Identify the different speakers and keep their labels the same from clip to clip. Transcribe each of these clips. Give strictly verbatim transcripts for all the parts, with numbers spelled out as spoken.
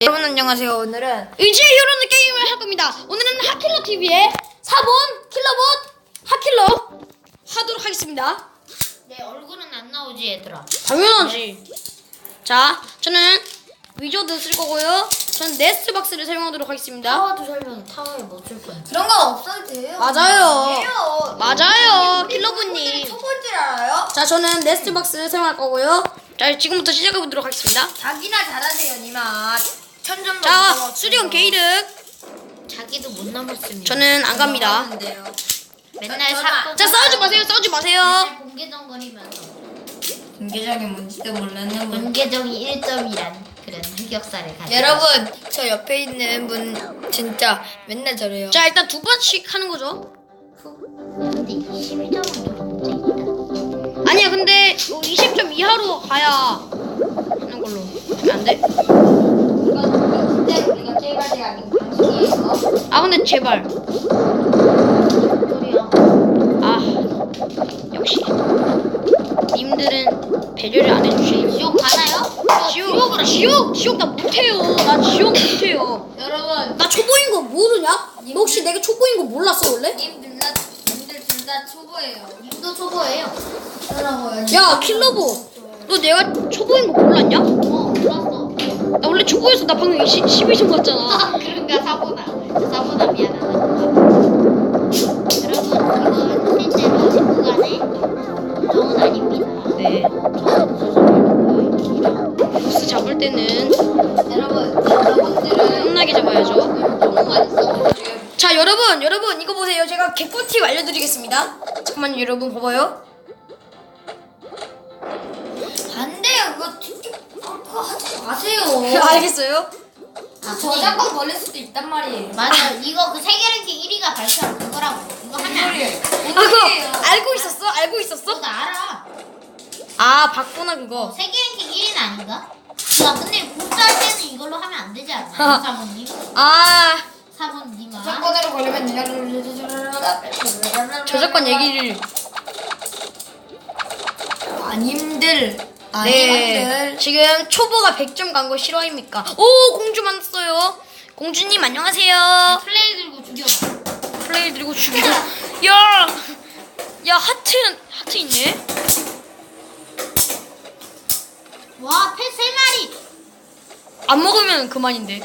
Speaker 1: 여러분 안녕하세요. 오늘은
Speaker 2: 이제 이런 게임을 할 겁니다. 오늘은 하킬러 티비의 사본 킬러봇 하킬러 하도록 하겠습니다.
Speaker 3: 내 얼굴은 안 나오지 얘들아.
Speaker 2: 당연하지. 자, 저는 위저드 쓸 거고요. 저는 네스트박스를 사용하도록 하겠습니다.
Speaker 3: 타워도 설명 타워에 뭐 쓸 거야?
Speaker 1: 그런 거 없어도 돼요.
Speaker 2: 맞아요.
Speaker 1: 돼요.
Speaker 2: 맞아요, 킬러분님.
Speaker 1: 초보인 줄 알아요?
Speaker 2: 자, 저는 네스트박스를 사용할 거고요. 자, 지금부터 시작해 보도록 하겠습니다.
Speaker 1: 자기나 잘하세요, 니마. 천점도
Speaker 2: 자, 수리온 게이득.
Speaker 3: 자기도 못 남았습니다.
Speaker 2: 저는 안 갑니다.
Speaker 3: 맨날
Speaker 1: 저-
Speaker 3: 사건.
Speaker 2: 자, 싸우지 마세요. 싸우지 마세요.
Speaker 3: 맨날 공개정거리면서
Speaker 1: 공개적인 뭔지도 모르는 분.
Speaker 3: 공개정이 일 점이란 그런 흑역사를 가지고.
Speaker 1: 여러분, 저 옆에 있는 분 진짜 맨날 저래요.
Speaker 2: 자, 일단 두 번씩 하는 거죠.
Speaker 3: 근데 이십일 점은 좀 문제있다.
Speaker 2: 아니야, 근데 이십 점 이하로 가야 하는 걸로 하면 안 돼?
Speaker 1: 이건 진짜 우리가 게임할 아닌 방식이에요.
Speaker 2: 아, 근데 제발.
Speaker 3: 소리야.
Speaker 2: 아, 역시 님들은 배려를 안 해주시니.
Speaker 3: 지옥 가나요?
Speaker 2: 지옥, 지옥, 지옥 나 못해요. 나 지옥 못해요.
Speaker 1: 여러분,
Speaker 2: 나 초보인 거 모르냐? 너 혹시 내가 초보인 거 몰랐어 원래?
Speaker 1: 님들 다 님들 둘 다 초보예요.
Speaker 3: 님도 초보예요.
Speaker 1: 그러라고요.
Speaker 2: 야, 킬러보. 너 내가 초보인 거 몰랐냐?
Speaker 3: 어, 몰랐어.
Speaker 2: 나 원래 초보였어. 나 방금 십이 점 갔잖아.
Speaker 3: 아, 그런가 사보나. 사보나 미안하다. 여러분, 이건 실제로 제 구간의 정은 아닙니다.
Speaker 2: 네. 보스 잡을 때는
Speaker 1: 여러분, 여러분들은
Speaker 2: 끝나게 잡아야죠.
Speaker 1: 너무 많이 써가지고.
Speaker 2: 자, 여러분, 여러분 이거 보세요. 제가 개꿀팁 알려드리겠습니다. 잠깐만요, 여러분 봐봐요.
Speaker 1: 안 돼요. 그거 그거 하지 마세요.
Speaker 2: 알겠어요?
Speaker 3: 아,
Speaker 1: 저작권 걸릴 수도 있단 말이에요.
Speaker 3: 맞아. 이거 그 세계랭킹 일 위가 발표한 그거라고. 이거 하면 안 돼.
Speaker 2: 아, 그거 알고 있었어? 알고 있었어?
Speaker 3: 나 알아.
Speaker 2: 아, 봤구나
Speaker 3: 어,
Speaker 2: 그거.
Speaker 3: 세계랭킹 일 위는 아닌가? 야, 근데 복사할 때는 이걸로 하면 안 되지 않나? 사모님?
Speaker 2: 아,
Speaker 3: 사모님아.
Speaker 1: 저작권으로 걸리면
Speaker 2: 저작권 얘기를.
Speaker 1: 아님들
Speaker 2: 네.
Speaker 1: 아님들
Speaker 2: 지금 초보가 백 점 간 거 싫어입니까? 오, 공주 만났어요. 공주님 안녕하세요.
Speaker 3: 플레이 들고 죽여봐.
Speaker 2: 플레이 들고 죽이고. 야, 야 하트 하트 있네.
Speaker 3: 와, 패 세 마리.
Speaker 2: 안 먹으면 그만인데.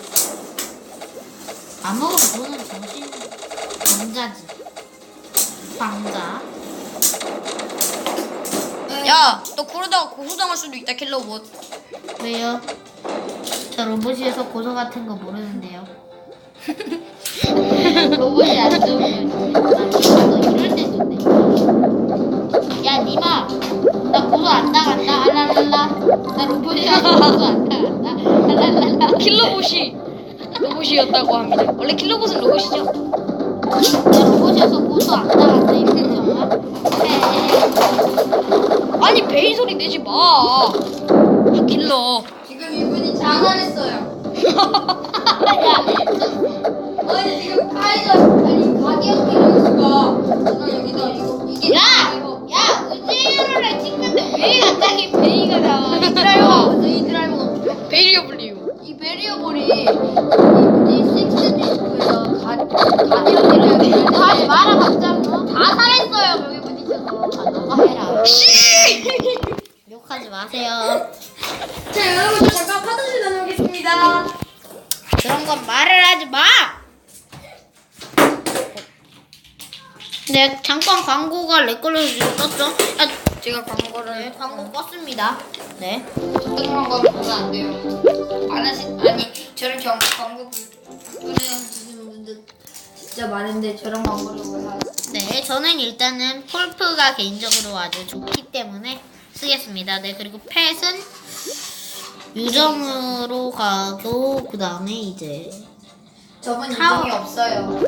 Speaker 3: 안 먹으면 너는 정신 방자지. 방자.
Speaker 2: 야, 너 그러다가 고소당할 수도 있다, 킬러봇.
Speaker 3: 왜요? 저 로봇이어서 고소 같은 거 모르는데요. 로봇이 안 좋으면 너 이럴 때 좋네. 야, 니마. 나 고소 안 당한다. 알랄랄라. 나 로봇이라서 고소 안 당한다. 알랄랄라.
Speaker 2: 킬러봇이 로봇이었다고 합니다. 원래 킬러봇은 로봇이죠.
Speaker 3: 나 로봇이어서 고소 안 당한다. 이거 정말.
Speaker 2: 아니 베이 소리 내지 마. 아, 킬러.
Speaker 1: 지금 이분이 장난했어요.
Speaker 3: 야,
Speaker 1: 아니 지금 카이저 아니 가디언 키로수가 제가 여기다 이거 이게
Speaker 3: 야!
Speaker 1: 이거
Speaker 3: 야! 우주를 찍는데 왜 갑자기 베이가 나와?
Speaker 1: 이 드라이버가 먼저 이 드라이버가 먼저.
Speaker 2: 베이리어 불리고.
Speaker 1: 이 베리어볼이 이 뭐지 식스 디스크에서 가디언 키로수
Speaker 3: 하지 마라 갑자기. 어? 다 살했어요 여기 부딪혀서. 아, 너가 해라. 욕하지 마세요.
Speaker 2: 자, 여러분 저 잠깐 화장실 다녀오겠습니다.
Speaker 3: 그런 건 말을 하지 마. 네, 잠깐 광고가 렉 걸려서 지금 떴죠? 아,
Speaker 1: 제가 광고를
Speaker 3: 네, 광고 껐습니다. 네.
Speaker 1: 어떤 광고 보면 안 돼요. 안 하시 아니 저런 경 광고 보내주시는 분들 진짜 많은데 저런 광고를 왜 하지?
Speaker 3: 네, 저는 일단은 폴프가 개인적으로 아주 좋기 때문에 쓰겠습니다. 네, 그리고 펫은 유정으로 가고 그 다음에 이제
Speaker 1: 저분
Speaker 3: 타워.
Speaker 1: 유정이 없어요.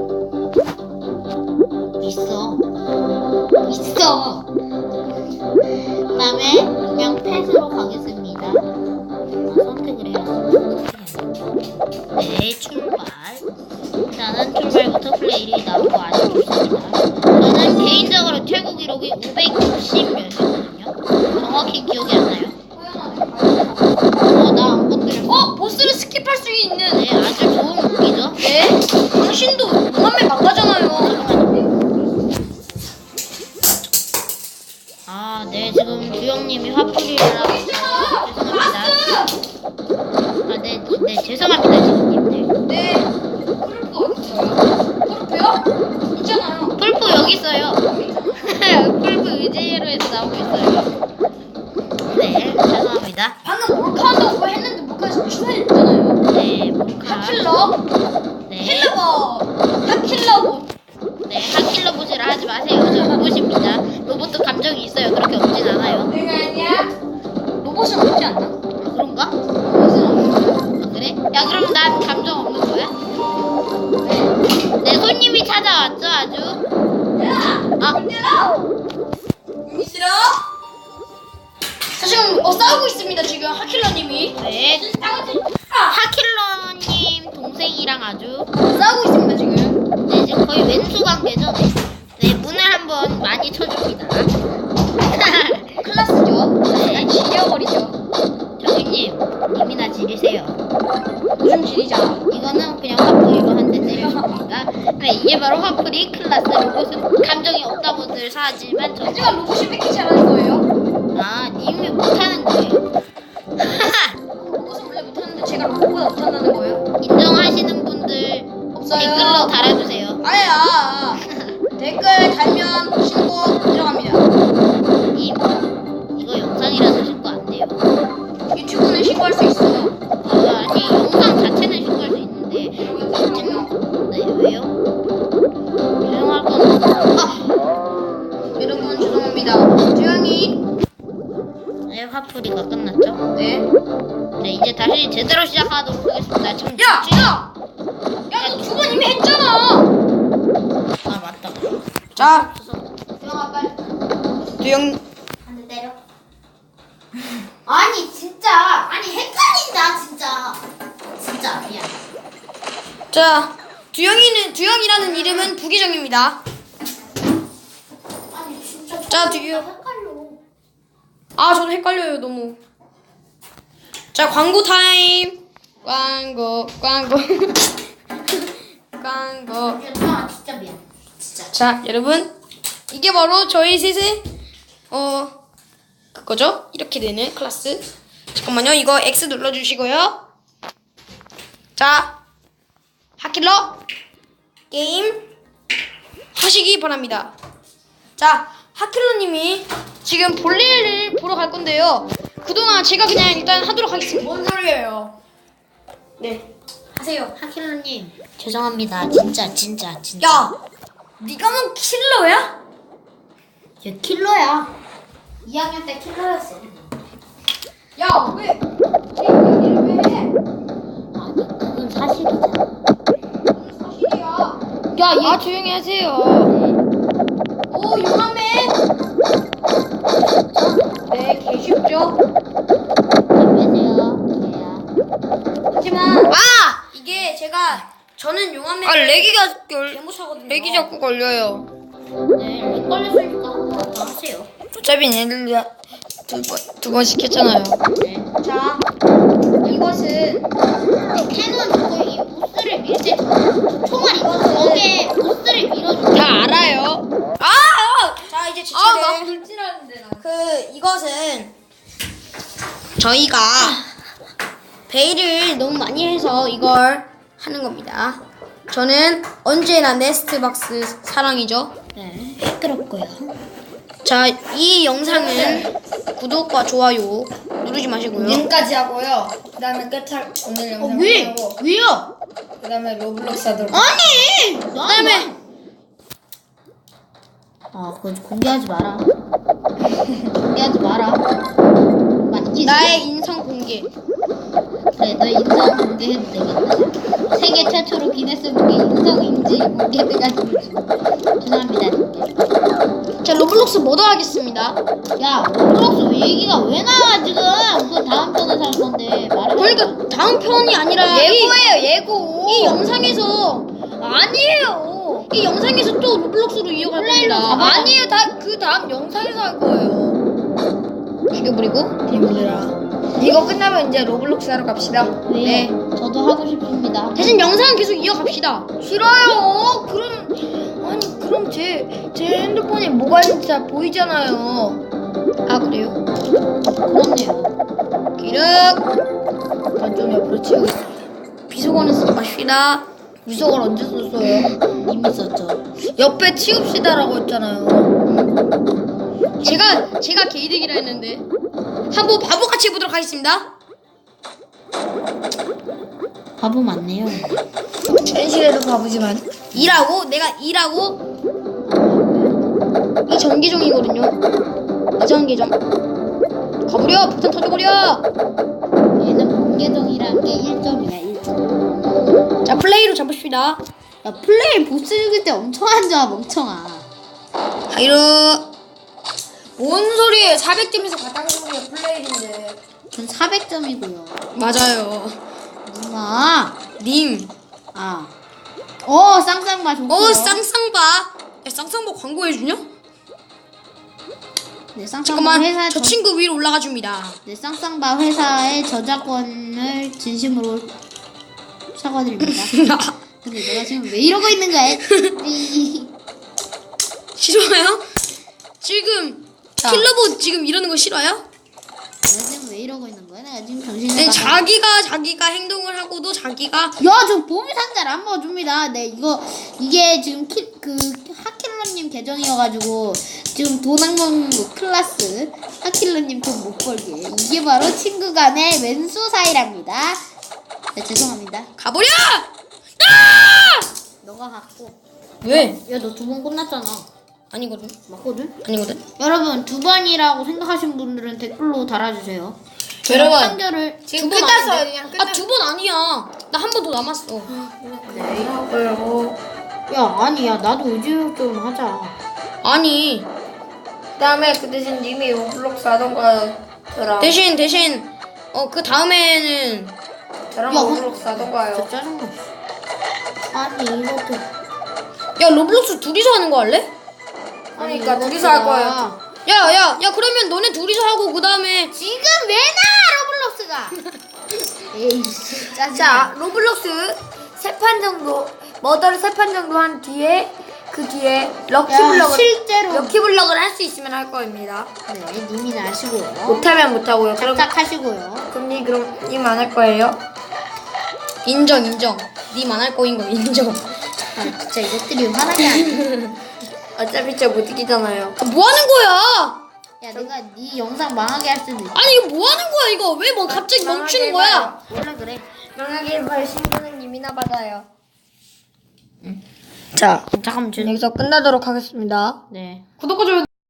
Speaker 3: 있어. 있어. 그 다음에 그냥 펫으로 가겠습니다. 아, 선택을 해야지. 네, 출발. 일단은 출발부터 플레이 일 위 나오고 아주 좋습니다. 저는 개인적으로 최고 기록이 오백육십 몇이거든요. 정확히 기억이 안 나요. 어, 나 안 건드렸어.
Speaker 2: 어, 보스를 스킵할 수
Speaker 3: 하킬러님이 화풀이라고 죄송합니다. 아, 네, 네 죄송합니다 지금님들.
Speaker 1: 네. 꿀프 어디 있어요? 꿀프요? 있잖아요.
Speaker 3: 풀프 여기 있어요. 풀프 의지로 해서 나오고 있어요. 네 죄송합니다.
Speaker 2: 방금 몰카 한다고 했는데 몰카에서 추천해줬잖아요.
Speaker 3: 네 몰카.
Speaker 2: 하킬러,
Speaker 3: 네.
Speaker 2: 킬러버, 하킬러버.
Speaker 3: 네, 하킬러 보시라 하지 마세요. 저 로봇입니다. 로봇도 감정이 있어요. 그렇게 없진 않아요.
Speaker 1: 내가 아니야?
Speaker 2: 로봇은 없지 않나?
Speaker 3: 아, 그런가?
Speaker 2: 로봇은 없나?
Speaker 3: 아, 그래? 야, 그럼 난 감정 없는 거야? 네, 손님이 찾아왔죠, 아주. 아,
Speaker 1: 여기 싫어?
Speaker 2: 자, 지금 어, 싸우고 있습니다. 지금 하킬러님이
Speaker 3: 네. 하킬러님 동생이랑 아주.
Speaker 2: 싸우고 있습니다. 지금.
Speaker 3: 네, 지금 거의 왼수 관계죠? 네. 네, 문을 한번 많이 쳐줍니다.
Speaker 2: 클라스죠.
Speaker 3: 네.
Speaker 2: 지려버리죠.
Speaker 3: 정희님, 님이나 지르세요.
Speaker 2: 요즘 지리자.
Speaker 3: 이거는 그냥 화풀이로 한 대 때려줍니다. 네, 이게 바로 화풀이 클라스. 로봇은 감정이 없다고들 하지만 저
Speaker 2: 하지만 로봇이 왜 이렇게 잘하는 거예요?
Speaker 3: 아, 님이 못하는 거예요.
Speaker 2: 로봇은 원래 못하는데 제가 로봇보다 못한다는 거예요?
Speaker 3: 인정하시는 분들
Speaker 2: 없어요.
Speaker 3: 댓글로 달아주세요.
Speaker 2: 아야. 댓글 달면 신고 들어갑니다.
Speaker 3: 님, 이거 영상이라서 신고 안 돼요.
Speaker 2: 유튜브는 신고할 수 있어.
Speaker 3: 아, 아니, 영상 자체는 신고할 수 있는데. 네, 왜요? 유명할 건
Speaker 2: 아! 여러분 죄송합니다. 조용히.
Speaker 3: 네, 화풀이가 끝났죠?
Speaker 2: 네.
Speaker 3: 네, 이제 다시 제대로 시작하도록 하겠습니다. 지금
Speaker 2: 야,
Speaker 3: 지금-
Speaker 2: 야, 야, 너 두 번 이미 했잖아.
Speaker 3: 아, 맞다.
Speaker 2: 자,
Speaker 1: 조용아 빨리.
Speaker 2: 조용.
Speaker 1: 한 대 때려. 아니 진짜 아니 헷갈린다 진짜. 진짜 미안.
Speaker 2: 자, 두영이는 두영이라는 이름은 부기정입니다.
Speaker 1: 아니 진짜.
Speaker 2: 자, 두영.
Speaker 1: 헷갈려.
Speaker 2: 아, 저도 헷갈려요 너무. 자, 광고 타임. 광고, 광고, 광고.
Speaker 1: 조용아 진짜 미안. 진짜.
Speaker 2: 자, 여러분, 이게 바로 저희 셋의 어 그거죠? 이렇게 되는 클래스. 잠깐만요, 이거 X 눌러주시고요. 자, 하킬러 게임 하시기 바랍니다. 자, 하킬러님이 지금 볼일을 보러 갈 건데요. 그동안 제가 그냥 일단 하도록 하겠습니다.
Speaker 1: 뭔 소리예요?
Speaker 2: 네, 하세요.
Speaker 3: 하킬러님, 죄송합니다. 진짜, 진짜, 진짜.
Speaker 2: 야, 네가 뭐 킬러야?
Speaker 3: 저 킬러야.
Speaker 1: 이 학년 때 킬러였어.
Speaker 2: 야, 왜? 왜 얘기를 왜 해?
Speaker 3: 아니, 그건 사실이잖아.
Speaker 2: 무슨 사실이야?
Speaker 3: 야, 얘
Speaker 2: 아, 조용히 하세요. 오, 용암맨. 네, 개 쉽죠?
Speaker 3: 빼세요. 얘야.
Speaker 2: 하지만 아! 이게 제가 저는 용암맨
Speaker 4: 아 렉이가 걸
Speaker 2: 개못하거든요.
Speaker 4: 렉이 자꾸 걸려요.
Speaker 3: 네, 렉 걸렸으니까 한번 더 하세요.
Speaker 4: 어차피 얘들 두번두번 시켰잖아요.
Speaker 3: 네.
Speaker 2: 자, 이것은
Speaker 3: 캐논 저거 이 보스를 밀 때 총알 있어. 거기에 보스를 밀어줘.
Speaker 4: 다 알아요.
Speaker 2: 아! 자, 이제 제
Speaker 4: 아, 나
Speaker 2: 차례.
Speaker 1: 불질하는데 나.
Speaker 2: 그 이것은 저희가 베일을 너무 많이 해서 이걸 하는 겁니다. 저는 언제나 네스트박스 사랑이죠.
Speaker 3: 네, 시끄럽고요.
Speaker 2: 자, 이 영상은 구독과 좋아요 누르지 마시고요.
Speaker 1: 지금까지 하고요. 그다음에 끝할 오늘 영상
Speaker 3: 왜?
Speaker 1: 하고
Speaker 3: 왜요?
Speaker 1: 그다음에 로블록스 하도록.
Speaker 3: 아니!
Speaker 2: 그다음에
Speaker 3: 아, 그거 공개하지 마라. 공개하지 마라. 맞지?
Speaker 2: 나의 인성 공개.
Speaker 3: 그래, 너 인성 공개해도 되겠다. 세계 최초로 기네스북에 인성 인지 공개돼가지고 죄송합니다, 진짜.
Speaker 2: 자, 로블록스 모드 하겠습니다.
Speaker 3: 야, 로블록스 얘기가 왜 나와 지금? 그거 다음 편에 살 건데 말해.
Speaker 2: 그러니까 다음 편이 아니라
Speaker 4: 예고예요 예고.
Speaker 2: 이, 이 영상에서 아니에요. 이 영상에서 또 로블록스로 이어갈
Speaker 3: 플레이로
Speaker 2: 겁니다.
Speaker 3: 잡아야-
Speaker 2: 아니에요. 다 그 다음 영상에서 할 거예요. 죽여버리고.
Speaker 1: 님들아. 이거 끝나면 이제 로블록스 하러 갑시다.
Speaker 3: 왜요?
Speaker 2: 네.
Speaker 3: 저도 하고 싶습니다.
Speaker 2: 대신 영상은 계속 이어갑시다. 싫어요. 그럼 아니 그럼 제 제 핸드폰에 뭐가 있는지 다 보이잖아요. 아 그래요?
Speaker 3: 그렇네요.
Speaker 2: 기름. 전좀 옆으로 치우겠습니다. 비속어는 쓰지 맙시다. 비속어를 언제 썼어요?
Speaker 3: 이미 썼죠.
Speaker 2: 옆에 치웁시다라고 했잖아요. 제가 제가 개이득이라 했는데 한번 바보같이 해보도록 하겠습니다.
Speaker 3: 바보 맞네요.
Speaker 2: 현실에도 바보지만 일하고 내가 일하고 이 전기종이거든요. 이 전기종 가버려. 폭탄 터져버려.
Speaker 3: 얘는 번개종이란 게 일 점이야. 일 점.
Speaker 2: 자 플레이로 잡읍시다.
Speaker 3: 야 플레이 보스 죽일 때 엄청 안 좋아 멍청아.
Speaker 2: 하이루. 뭔 소리예요? 사백 점에서 가장 좋은 게 플레이인데.
Speaker 3: 전 사백 점이고요.
Speaker 2: 맞아요.
Speaker 3: 누나.
Speaker 2: 님.
Speaker 3: 아. 어 쌍쌍바 좋고요.
Speaker 2: 어 쌍쌍바. 야, 쌍쌍바 광고해주냐?
Speaker 3: 네, 쌍쌍바
Speaker 2: 잠깐만.
Speaker 3: 회사
Speaker 2: 저
Speaker 3: 저-
Speaker 2: 친구 위로 올라가 줍니다.
Speaker 3: 네, 쌍쌍바 회사의 저작권을 진심으로 사과드립니다. 근데 내가 지금 왜 이러고 있는 거야? 이-
Speaker 2: 싫어요? 지금
Speaker 3: 자.
Speaker 2: 킬러봇 지금 이러는 거 싫어요?
Speaker 3: 내가 지금 왜 이러고 있는 거야? 내가 지금 정신을
Speaker 2: 네,
Speaker 3: 나가-
Speaker 2: 자기가 자기가 행동을 하고도 자기가
Speaker 3: 야, 저 보물 상자를 안 먹어줍니다. 네, 이거 이게 지금 키, 그 하킬러님 계정이어가지고 지금 돈 안 먹는 거 클라스 하킬러님 돈 못 벌게. 이게 바로 친구 간의 왼수 사이랍니다. 네, 죄송합니다.
Speaker 2: 가버려! 아!
Speaker 3: 너가 갖고.
Speaker 2: 왜?
Speaker 3: 야, 너 두 번 끝났잖아.
Speaker 2: 아니거든.
Speaker 3: 맞거든?
Speaker 2: 아니거든.
Speaker 3: 여러분 두 번이라고 생각하시는 분들은 댓글로 달아주세요.
Speaker 2: 여러분,
Speaker 3: 판결을
Speaker 2: 지금
Speaker 1: 끝났어요,
Speaker 2: 끝났어요.
Speaker 1: 그냥
Speaker 2: 아, 두 번 아니야. 나 한 번 더 남았어.
Speaker 1: 네, 하고요.
Speaker 3: 야 아니야 나도 의지력 좀 하자.
Speaker 2: 아니.
Speaker 1: 그다음에 그 대신 님이 로블록스 하던가 저랑
Speaker 2: 대신 대신 어 그 다음에는
Speaker 1: 저랑
Speaker 3: 야,
Speaker 1: 로블록스 하던가요.
Speaker 3: 진짜 짜증나. 아니 이것도
Speaker 2: 야 로블록스 둘이서 하는 거 할래?
Speaker 1: 그러니까
Speaker 3: 이것도
Speaker 1: 둘이서 할 거예요.
Speaker 3: 나-
Speaker 2: 야, 야, 야, 그러면 너네 둘이서 하고 그 다음에
Speaker 3: 지금 왜 나 로블록스가? 에이 짜증나.
Speaker 1: 자, 로블록스 세 판 정도, 머더를 세 판 정도 한 뒤에 그 뒤에
Speaker 3: 야,
Speaker 1: 럭키블럭을
Speaker 3: 실제로
Speaker 1: 럭키블럭을 할 수 있으면 할 겁니다.
Speaker 3: 네 님이나 하시고요.
Speaker 1: 못하면 못하고요. 그럼
Speaker 3: 착착하시고요.
Speaker 1: 그럼 님 그럼 님 안 할 거예요?
Speaker 2: 인정, 인정. 님 안 할 거인 거 인정.
Speaker 3: 아 진짜 이것들이 화나게 하네.
Speaker 1: 어차피 저 못 이기잖아요.
Speaker 2: 아, 뭐 하는 거야?
Speaker 3: 야 내가 네 영상 망하게 할 수도 있어.
Speaker 2: 아니 이거 뭐 하는 거야 이거? 왜 뭐 갑자기 멈추는 거야?
Speaker 3: 원래 그래.
Speaker 1: 망하게 해봐요. 신분은 님이나 받아요.
Speaker 2: 자,
Speaker 3: 잠깐만 저
Speaker 2: 여기서 끝나도록 하겠습니다.
Speaker 3: 네.
Speaker 2: 구독과 좋아요.